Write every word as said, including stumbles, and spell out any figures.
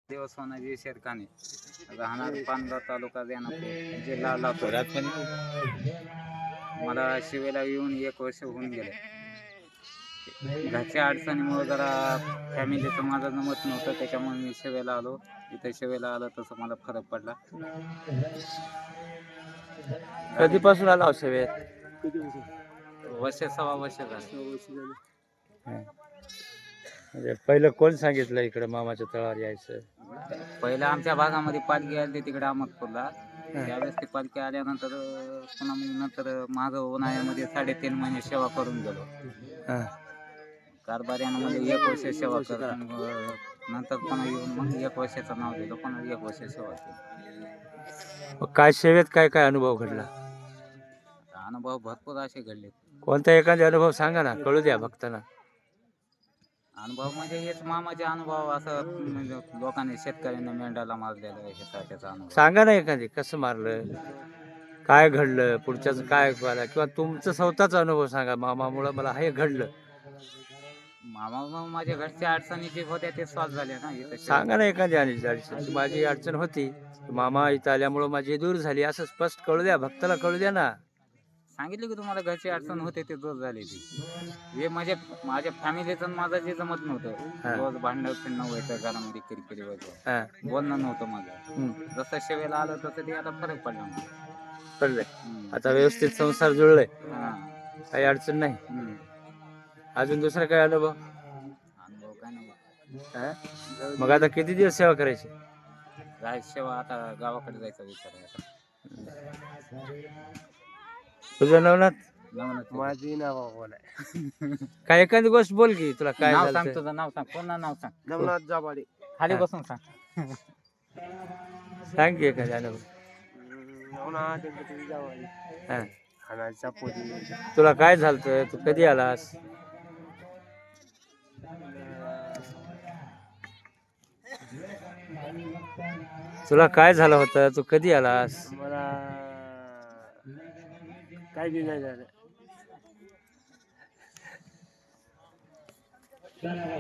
देवस्थानाची शेरकाने राहणार पानगाव तालुका देनापूर जिल्हा लातूर. मला शिवेला येऊन एक वर्ष होऊन गेले. घरच्या अडचणीमुळे जरा फॅमिलीचं माझं जमत नव्हतं, त्याच्यामुळे मी शिवेला आलो. इथे शिवेला आलो तसं मला फरक पडला. कधीपासून आला सेवेत? वर्ष सव्वा वर्ष झालं. म्हणजे पहिलं कोण सांगितलं इकडे मामाच्या तळावर यायचं? पहिलं आमच्या भागामध्ये पालखी आली तिकडे अहमदपूरला. त्यावेळेस ती पालखी आल्यानंतर पुन्हा मग नंतर मागं उन्हाळ्यामध्ये साडेतीन महिने सेवा करून गेलो. कारभार्यानं म्हणजे एक वर्ष सेवा कर, नंतर पुन्हा येऊन मग एक वर्षाचं नाव दिलं, पुन्हा एक वर्ष सेवा केली. काय सेवेत काय काय अनुभव घडला? अनुभव भरपूर असे घडले. कोणता एखादा अनुभव सांगा ना, कळू द्या भक्तांना. अनुभव म्हणजे हेच मामाचे अनुभव, असं म्हणजे लोकांनी शेतकऱ्यांना मेंढाला मारलेलं ह्याचा त्याचा अनुभव सांगा ना एखादी, कसं मारलं, काय घडलं, पुढच्याच काय झालं, किंवा तुमचं स्वतःचा अनुभव सांगा. मामामुळं मला हे घडलं. मामा माझ्या घरच्या अडचणी जे होत्या ते सॉल्व्ह झाल्या ना इथं. सांगा ना एखादी अडचण. माझी अडचण होती, मामा इथं आल्यामुळं माझी दूर झाली, असं स्पष्ट कळू द्या भक्ताला, कळू द्या ना. सांगितलं की तुम्हाला घरची अडचण होते ते दूर झाली. ती हे म्हणजे माझ्या फॅमिलीचं माझं जे जमत नव्हतं, रोज भांडण फिरणं व्हायचं, घरामध्ये किरकिरी व्हायचं, बोलणं नव्हतं माझं. जसं शेवेला आलं तसं ते आता फरक पडला. पडलंय आता, व्यवस्थित संसार जुळलाय, काही अडचण नाही. अजून दुसरा काय अनुभव? अनुभव काय नाही. मग आता किती दिवस सेवा करायची? राज सेवा आता गावाकडे जायचा विचार आहे. तुझं नवनाथ? नवनाथ माझी नाव बोल आहे. काय एखादी गोष्ट बोल की, तुला काय नाव झालं सांग, ते. तुझं नाव सांग, पूर्ण नाव सांग. नवनाथ जाबाडे. खाली बसून सांग. सांग की एखादी अनुभव. नवनाथ गणपती जाबाडे. हा. खानाच्या पोरी. तुला काय झालं, तू कधी आलास? तुला काय झालं होतं, तू कधी आलास? मला काय बी नाही झालं.